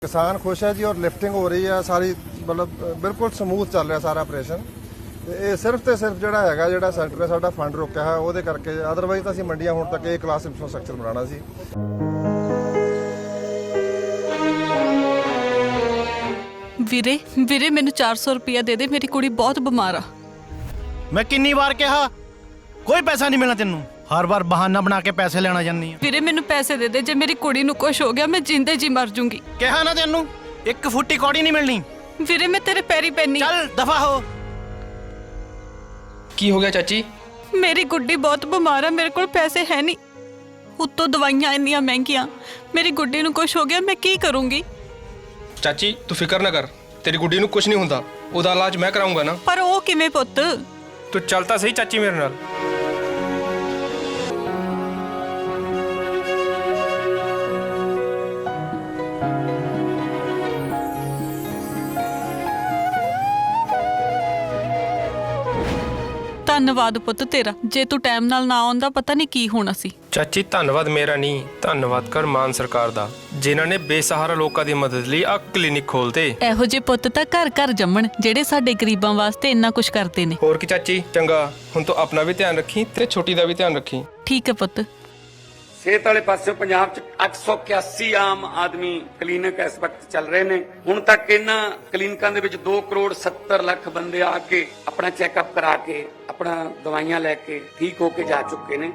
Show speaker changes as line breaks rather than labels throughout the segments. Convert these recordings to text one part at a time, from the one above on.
किसान खुश है जी और लिफ्टिंग हो रही है सारी मतलब बिल्कुल ਸਮੂਥ ਚੱਲ ਰਿਹਾ ਸਾਰਾ ਆਪਰੇਸ਼ਨ ਤੇ ਇਹ ਸਿਰਫ ਤੇ ਸਿਰਫ ਜਿਹੜਾ ਸੈਂਟਰ ਨੇ ਸਾਡਾ ਫੰਡ ਰੋਕਿਆ ਹੈ ਉਹਦੇ ਕਰਕੇ ਅਦਰਵਾਈਜ਼ ਤਾਂ ਅਸੀਂ ਮੰਡੀਆਂ ਹੁਣ ਤੱਕ ਇਹ ਕਲਾਸ ਇਨਫਰਾਸਟ੍ਰਕਚਰ ਬਣਾਉਣਾ ਸੀ।
ਵੀਰੇ ਵੀਰੇ ਮੈਨੂੰ 400 ਰੁਪਇਆ ਦੇ ਦੇ, ਮੇਰੀ ਕੁੜੀ ਬਹੁਤ ਬਿਮਾਰ ਆ।
मैं किन्नी बार कहा कोई पैसा नहीं मिलना तेनू, हर बार बहाना बना के पैसे लेना जानी है।
ਵੀਰੇ ਮੈਨੂੰ ਪੈਸੇ ਦੇ ਦੇ, ਜੇ ਮੇਰੀ ਕੁੜੀ ਨੂੰ ਕੁਝ ਹੋ ਗਿਆ ਮੈਂ ਜਿੰਦੇ ਜੀ ਮਰ ਜੂੰਗੀ।
कहा ना तेनू एक फुट्टी कौड़ी नहीं मिलनी।
ਵੀਰੇ ਮੈਂ ਤੇਰੇ ਪੈਰੀ ਪੈਣੀ।
चल दफा हो।
ਕੀ ਹੋ ਗਿਆ ਚਾਚੀ?
ਮੇਰੀ ਗੁੱਡੀ ਬਹੁਤ ਬਿਮਾਰ ਆ, ਮੇਰੇ ਕੋਲ ਪੈਸੇ ਹੈ ਨਹੀਂ, ਉੱਤੋਂ ਦਵਾਈਆਂ ਇੰਨੀਆਂ ਮਹਿੰਗੀਆਂ, ਮੇਰੀ ਗੁੱਡੀ ਨੂੰ ਕੁਝ ਹੋ ਗਿਆ ਮੈਂ ਕੀ ਕਰੂੰਗੀ?
ਚਾਚੀ ਤੂੰ ਫਿਕਰ ਨਾ ਕਰ, ਤੇਰੀ ਗੁੱਡੀ ਨੂੰ ਕੁਝ ਨਹੀਂ ਹੁੰਦਾ, ਉਹਦਾ ਇਲਾਜ ਮੈਂ ਕਰਾਉਂਗਾ ਨਾ।
ਪਰ ਉਹ ਕਿਵੇਂ ਪੁੱਤ?
ਤੂੰ ਚੱਲ ਤਾਂ ਸਹੀ ਚਾਚੀ ਮੇਰੇ ਨਾਲ।
ਧੰਨਵਾਦ ਪੁੱਤ ਤੇਰਾ, ਜੇ ਤੂੰ ਟਾਈਮ ਨਾਲ ਨਾ ਆਉਂਦਾ ਪਤਾ ਨਹੀਂ ਕੀ ਹੋਣਾ ਸੀ।
ਚਾਚੀ ਧੰਨਵਾਦ ਮੇਰਾ ਨਹੀਂ, ਧੰਨਵਾਦ ਕਰ ਮਾਨ ਸਰਕਾਰ ਦਾ, ਜਿਨ੍ਹਾਂ ਨੇ ਬੇਸਹਾਰਾ ਲੋਕਾਂ ਦੀ ਮਦਦ ਲਈ ਆ ਕਲੀਨਿਕ ਖੋਲਤੇ।
ਇਹੋ ਜਿਹੇ ਪੁੱਤ ਤਾਂ ਘਰ ਘਰ ਜੰਮਣ ਜਿਹੜੇ ਸਾਡੇ ਗਰੀਬਾਂ ਵਾਸਤੇ ਇੰਨਾ ਕੁਝ ਕਰਦੇ ਨੇ।
ਹੋਰ ਕੀ ਚਾਚੀ, ਚੰਗਾ ਹੁਣ ਤੂੰ ਆਪਣਾ ਵੀ ਧਿਆਨ ਰੱਖੀ ਤੇ ਛੋਟੀ ਦਾ ਵੀ ਧਿਆਨ ਰੱਖੀ।
ਠੀਕ ਹੈ ਪੁੱਤ।
ਸਿਹਤ ਵਾਲੇ ਪਾਸੇ ਪੰਜਾਬ 'ਚ 881 ਆਮ ਆਦਮੀ ਕਲੀਨਿਕ ਇਸ ਵਕਤ ਚੱਲ ਰਹੇ ਨੇ। ਹੁਣ ਤੱਕ ਇਹਨਾਂ ਕਲੀਨਿਕਾਂ ਦੇ ਵਿੱਚ 2 ਕਰੋੜ 70 ਲੱਖ ਬੰਦੇ ਆ ਕੇ ਆਪਣਾ ਚੈੱਕਅਪ ਕਰਾ ਕੇ ਆਪਣਾ ਦਵਾਈਆਂ ਲੈ ਕੇ ਠੀਕ ਹੋ ਕੇ ਜਾ ਚੁੱਕੇ ਨੇ।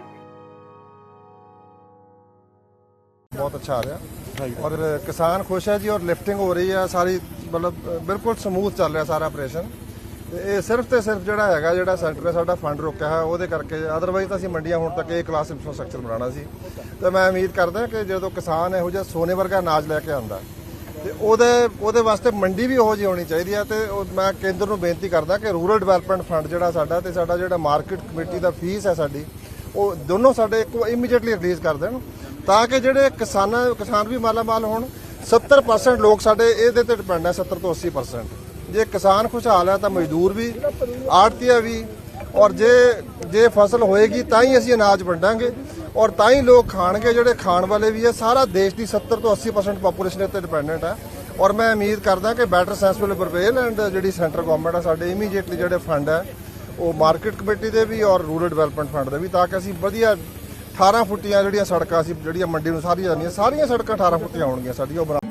बहुत अच्छा आ रहा और किसान खुश है जी और लिफ्टिंग हो रही है सारी मतलब बिल्कुल ਸਮੂਥ ਚੱਲ ਰਿਹਾ ਸਾਰਾ ਆਪਰੇਸ਼ਨ ਤੇ ਇਹ ਸਿਰਫ ਤੇ ਸਿਰਫ ਜਿਹੜਾ ਸੈਂਟਰ ਨੇ ਸਾਡਾ ਫੰਡ ਰੋਕਿਆ ਹੈ ਉਹਦੇ ਕਰਕੇ ਅਦਰਵਾਈਜ਼ ਤਾਂ ਅਸੀਂ ਮੰਡੀਆਂ ਹੁਣ ਤੱਕ ਇਹ ਕਲਾਸ ਇਨਫਰਾਸਟ੍ਰਕਚਰ ਬਣਾਉਣਾ ਸੀ। ਤੇ ਮੈਂ ਉਮੀਦ ਕਰਦਾ ਕਿ ਜਦੋਂ ਕਿਸਾਨ ਇਹੋ ਜਿਹਾ ਸੋਨੇ ਵਰਗਾ ਅਨਾਜ ਲੈ ਕੇ ਆਉਂਦਾ ਤੇ ਉਹਦੇ ਵਾਸਤੇ ਮੰਡੀ ਵੀ ਉਹੋ ਜਿਹੀ ਹੋਣੀ ਚਾਹੀਦੀ ਹੈ। ਤੇ ਮੈਂ ਕੇਂਦਰ ਨੂੰ ਬੇਨਤੀ ਕਰਦਾ ਕਿ ਰੂਰਲ ਡਿਵੈਲਪਮੈਂਟ ਫੰਡ ਜਿਹੜਾ ਸਾਡਾ ਤੇ ਸਾਡਾ ਜਿਹੜਾ ਮਾਰਕੀਟ ਕਮੇਟੀ ਦਾ ਫੀਸ ਹੈ ਸਾਡੀ, ਉਹ ਦੋਨੋਂ ਸਾਡੇ ਇੱਕੋ ਇਮੀਡੀਏਟਲੀ ਰਿਲੀਜ਼ ਕਰ ਦੇਣ ਤਾਂ ਕਿ ਜਿਹੜੇ ਕਿਸਾਨ ਵੀ ਮਾਲਾਮਾਲ ਹੋਣ। 70% ਲੋਕ ਸਾਡੇ ਇਹਦੇ ਤੇ ਡਿਪੈਂਡ ਹੈ, 70 ਤੋਂ 80%। ਜੇ ਕਿਸਾਨ ਖੁਸ਼ਹਾਲ ਹੈ ਤਾਂ ਮਜ਼ਦੂਰ ਵੀ, ਆੜਤੀਆ ਵੀ, ਔਰ ਜੇ ਫਸਲ ਹੋਏਗੀ ਤਾਂ ਹੀ ਅਸੀਂ ਅਨਾਜ ਵੰਡਾਂਗੇ ਔਰ ਤਾਂ ਹੀ ਲੋਕ ਖਾਣਗੇ, ਜਿਹੜੇ ਖਾਣ ਵਾਲੇ ਵੀ ਹੈ। ਸਾਰਾ ਦੇਸ਼ ਦੀ 70 ਤੋਂ 80% ਪਾਪੂਲੇਸ਼ਨ ਇੱਥੇ ਡਿਪੈਂਡੈਂਟ ਹੈ ਔਰ ਮੈਂ ਉਮੀਦ ਕਰਦਾ ਕਿ better sense will prevail and ਜਿਹੜੀ ਸੈਂਟਰ ਗਵਰਨਮੈਂਟ ਹੈ ਸਾਡੇ ਇਮੀਡੀਏਟਲੀ ਜਿਹੜੇ ਫੰਡ ਹੈ ਉਹ ਮਾਰਕੀਟ ਕਮੇਟੀ ਦੇ ਵੀ ਔਰ ਰੂਰਲ ਡਿਵੈਲਪਮੈਂਟ ਫੰਡ ਦੇ ਵੀ, ਤਾਂ ਕਿ ਅਸੀਂ ਵਧੀਆ 18 ਫੁੱਟੀਆਂ ਜਿਹੜੀਆਂ ਸੜਕਾਂ ਅਸੀਂ ਜਿਹੜੀਆਂ ਮੰਡੀ ਨੂੰ ਸਾਰੀਆਂ ਜਾਂਦੀਆਂ ਸਾਰੀਆਂ ਸੜਕਾਂ 18 ਫੁੱਟੀਆਂ ਹੋਣਗੀਆਂ ਸਾਡੀਆਂ ਉਹ